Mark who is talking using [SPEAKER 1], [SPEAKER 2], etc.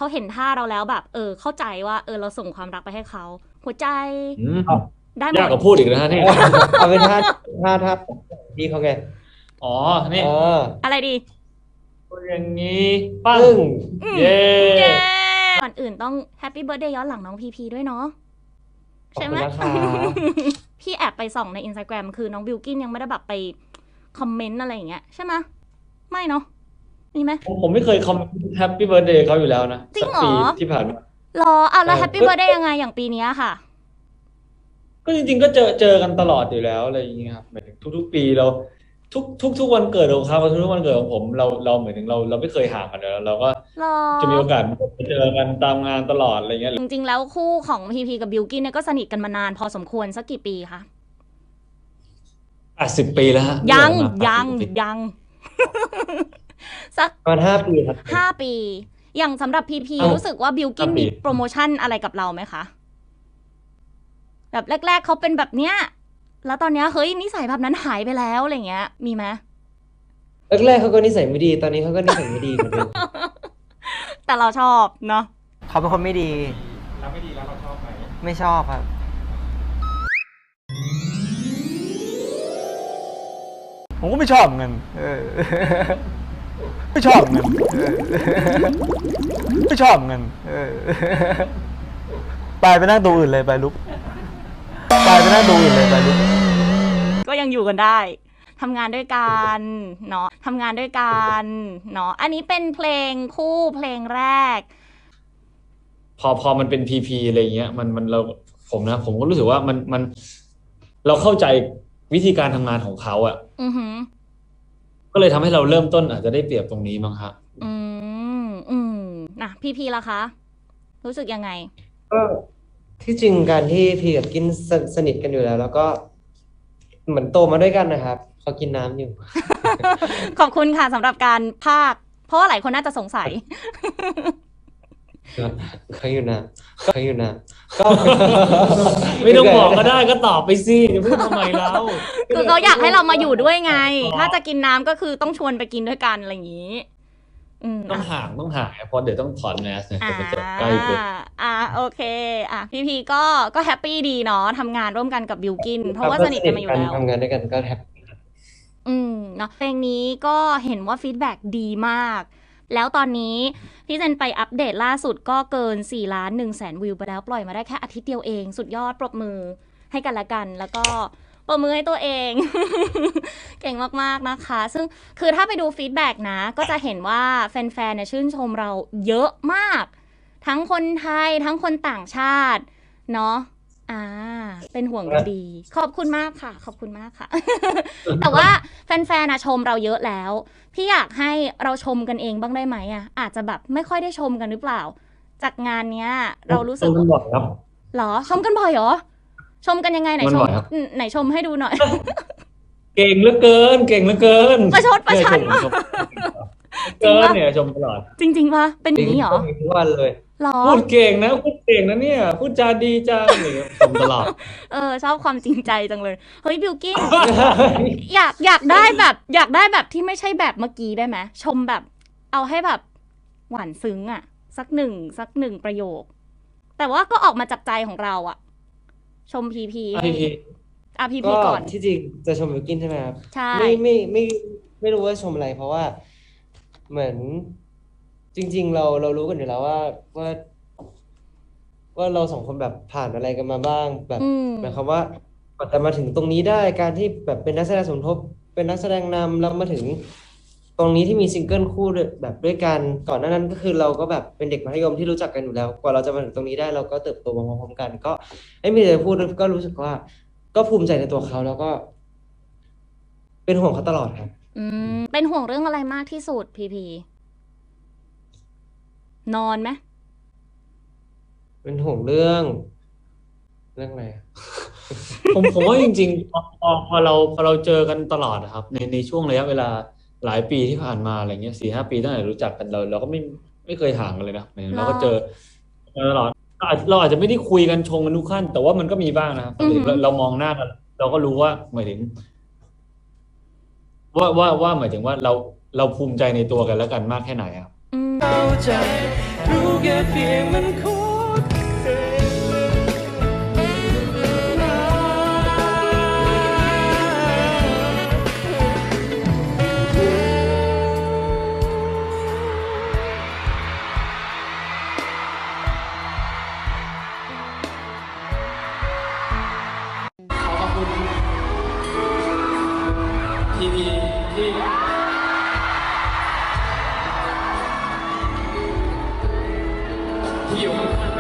[SPEAKER 1] เขาเห็นท่าเราแล้วแบบเข้าใจว่าเราส่งความรักไปให้เขาหัวใจ
[SPEAKER 2] อืม
[SPEAKER 1] ได้หม
[SPEAKER 2] ยาก
[SPEAKER 1] ด
[SPEAKER 2] กว่าพูดอีกนะฮะนี่
[SPEAKER 3] เอาเป็นท่าพี่เขาไง
[SPEAKER 2] อ๋อ
[SPEAKER 3] เอ
[SPEAKER 2] นี่
[SPEAKER 3] อ
[SPEAKER 1] อะไรดี
[SPEAKER 2] พูดอย่างนี้ปั้ง
[SPEAKER 3] ซึ่ง
[SPEAKER 1] อืม
[SPEAKER 2] เย้
[SPEAKER 1] เย้ก่อนอื่นต้องแฮปปี้เบิร์ a เดย์ย้อนหลังน้องพีพีด้วยเนาะ
[SPEAKER 3] ขอบ
[SPEAKER 1] ใช่ไหม
[SPEAKER 3] คุณนะคะ
[SPEAKER 1] พี่แอบไปส่องใน Instagram คือน้องบิลกินยังไม่ได้แบบไปคอมเมนต์อะไรอย่างเงี้ยใช่ไหมไม่เนาะมีไหม
[SPEAKER 2] ผมไม่เคยคอมแฮปปี้เบิร์ดเดย์เขาอยู่แล้วนะ
[SPEAKER 1] จริงเหรอ
[SPEAKER 2] สักปีที่ผ่านมา
[SPEAKER 1] หรอเอาแล้วแฮปปี้
[SPEAKER 2] ก็
[SPEAKER 1] เบิร์ a เดย์ยังไงอย่างปีเนี้ยค่ะ
[SPEAKER 2] ก็จริงๆก็เจอกันตลอดอยู่แล้วอะไรอย่างเงี้ยครับหมายถึงทุกๆปีเราทุกวันเกิดของเขาทุกๆวันเกิดของผมเราเหมือนถึงเราไม่เคยห่างกันเลยเราก็
[SPEAKER 1] หรอ
[SPEAKER 2] จะมีโอกาสไปเจอกันตามงานตลอดอะไรเงี้ย
[SPEAKER 1] จริงๆแล้วคู่ของพีพีกับบิลกินเนี่ยก็สนิทกันมานานพอสมควรสักกี่ปีคะ
[SPEAKER 2] 80 ปีแล้วฮะ
[SPEAKER 1] ยัง
[SPEAKER 2] เรื่องมา
[SPEAKER 1] ยัง
[SPEAKER 2] 80 ปี
[SPEAKER 1] ยังสัก
[SPEAKER 3] ประมาณ5 ปีครับ
[SPEAKER 1] 5 ปีอย่างสำหรับพีพี
[SPEAKER 2] เอ้า
[SPEAKER 1] รู้สึกว่าบิลกิน
[SPEAKER 2] 5 ปี
[SPEAKER 1] มีโปรโมชั่นอะไรกับเราไหมคะแบบแรกๆเขาเป็นแบบเนี้ยแล้วตอนเนี้ยเฮ้ยนิสัยแบบนั้นหายไปแล้วอะไรเงี้ยมีไหม
[SPEAKER 3] แรกๆเขาก็นิสัยไม่ดีตอนนี้เขาก็นิสัยไม่ดีเหมือนเดิม
[SPEAKER 1] แต่เราชอบเนาะ
[SPEAKER 4] เขาเป็นคนไม่ดี
[SPEAKER 2] แล้วไม่ดีแล้วเราชอบไหม
[SPEAKER 4] ไม่ชอบครับ ผมก็ไม่ชอบเงินไม่ชอบเงินไม่ชอบเงินไปนั่งตัวอื่นเลยไปลุกไปนั่งตัวอื่นเลยไปลุก
[SPEAKER 1] ก็ยังอยู่กันได้ทำงานด้วยกันเนาะทำงานด้วยกันเนาะอันนี้เป็นเพลงคู่เพลงแรก
[SPEAKER 2] พอมันเป็นพีอะไรเงี้ยมันผมก็รู้สึกว่ามันเราเข้าใจวิธีการทำงานของเขาอ่ะ
[SPEAKER 1] อือหือ
[SPEAKER 2] ก็เลยทำให้เราเริ่มต้นอาจจะได้เปรียบตรงนี้มั้งครับ
[SPEAKER 1] อือืมนะพีล่ะคะรู้สึกยังไง
[SPEAKER 3] ก็ที่จริงการที่พี่กับกินสนิทกันอยู่แล้ว แล้วก็เหมือนโตมาด้วยกันนะครับเขากินน้ำอยู่
[SPEAKER 1] ขอบคุณค่ะสำหรับการพากย์เพราะว่าหลายคนน่าจะสงสัย
[SPEAKER 3] เขาอยู่นะเขาอยู่นะก็
[SPEAKER 2] ไม่ต้องบอกก็ได้ก็ตอบไปสิจะพูดทำไมเรา
[SPEAKER 1] คือเขาอยากให้เรามาอยู่ด้วยไง ถ้าจะกินน้ำก็คือต้องชวนไปกินด้วยกันอะไรอย่างนี้
[SPEAKER 2] ต้องห่างเพราะเดี๋ยวต้องถอดแมสเนี่ยจะใกล้เกิน
[SPEAKER 1] โอเคพีก็แฮปปี้ดีเนาะทำงานร่วมกันกับบิลกินเพราะว่าสนิทกันมาอยู่แล้ว
[SPEAKER 3] ทำงานด้วยกันก็แฮปปี้
[SPEAKER 1] เนาะเพลงนี้ก็เห็นว่าฟีดแบ็กดีมากแล้วตอนนี้พี่เจนไปอัปเดตล่าสุดก็เกิน4,100,000 วิวไปแล้วปล่อยมาได้แค่อาทิตย์เดียวเองสุดยอดปรบมือให้กันละกันแล้วก็ปรบมือให้ตัวเอง เก่งมากๆนะคะซึ่งคือถ้าไปดูฟีดแบ็กนะก็จะเห็นว่าแฟนๆเนี่ยชื่นชมเราเยอะมากทั้งคนไทยทั้งคนต่างชาติเนาะเป็นห่วงดีขอบคุณมากค่ะขอบคุณมากค่ะ แต่ว่าแฟนๆนะชมเราเยอะแล้วพี่อยากให้เราชมกันเองบ้างได้ไหมอาจจะแบบไม่ค่อยได้ชมกันหรือเปล่าจากงานเนี้ยเรารู้สึก
[SPEAKER 2] บ่อยครับ
[SPEAKER 1] หรอชมกันบ่อยเหรอชมกันยังไงไหนชมให้ดูหน่อย
[SPEAKER 2] เก่งเหลือเกิน
[SPEAKER 1] ประชดประชันมาก
[SPEAKER 2] เกินเนี่ยชมตลอด
[SPEAKER 1] จริงๆปะเป็นอย่างนี้เหรอ
[SPEAKER 3] ทุกวันเลย
[SPEAKER 1] หรอ
[SPEAKER 2] พูดเก่งนะเนี่ยพูดจาดีจังเนี่ยชมตลอด
[SPEAKER 1] ชอบความจริงใจจังเลยเฮ้ยบิลกิ้น อยากได้แบบที่ไม่ใช่แบบเมื่อกี้ได้ไหมชมแบบเอาให้แบบหวานซึ้งสักหนึ่งประโยคแต่ว่าก็ออกมาจากใจของเราชมพีพี
[SPEAKER 3] ก็
[SPEAKER 1] ก่อน
[SPEAKER 3] ที่จริงจะชมบิวกินใช่ไหมครับ
[SPEAKER 1] ใช่
[SPEAKER 3] ไม่รู้ว่าชมอะไรเพราะว่าเหมือนจริงๆเรารู้กันอยู่แล้วว่าเราสองคนแบบผ่านอะไรกันมาบ้างแบบหมายความว่ากว่าจะมาถึงตรงนี้ได้การที่แบบเป็นนักแสดงสมทบเป็นนักแสดงนำแล้วมาถึงตรงนี้ที่มีซิงเกิลคู่แบบด้วยกันก่อนหน้านั้นก็คือเราก็แบบเป็นเด็กมัธยมที่รู้จักกันอยู่แล้วกว่าเราจะมาถึงตรงนี้ได้เราก็เติบโตมาพร้อมๆกันก็ไม่มีอะไรพูดก็รู้สึกว่าก็ภูมิใจในตัวเขาแล้วก็เป็นห่วงเขาตลอดครับ
[SPEAKER 1] เป็นห่วงเรื่องอะไรมากที่สุดพีนอนไหม
[SPEAKER 3] เป็นห่วงเรื่องอะไร
[SPEAKER 2] ผมว่าจริงๆพอเราเจอกันตลอดนะครับในช่วงระยะเวลาหลายปีที่ผ่านมาอะไรเงี้ย4-5 ปีตั้งแต่รู้จักกันเราก็ไม่เคยห่างกันเลยนะเราก็เจอตลอดเราอาจจะไม่ได้คุยกันชงกันทุกขั้นแต่ว่ามันก็มีบ้างนะครับเรามองหน้ากันเราก็รู้ว่าหมายถึงว่าหมายถึงว่าเราภูมิใจในตัวกันแล้วกันมากแค่ไหนครับ
[SPEAKER 1] อืม
[SPEAKER 5] เข้าใจรู้แค่เพียงมันโคตร
[SPEAKER 6] ขอขอบคุณทีวีที่อยู่ข้าง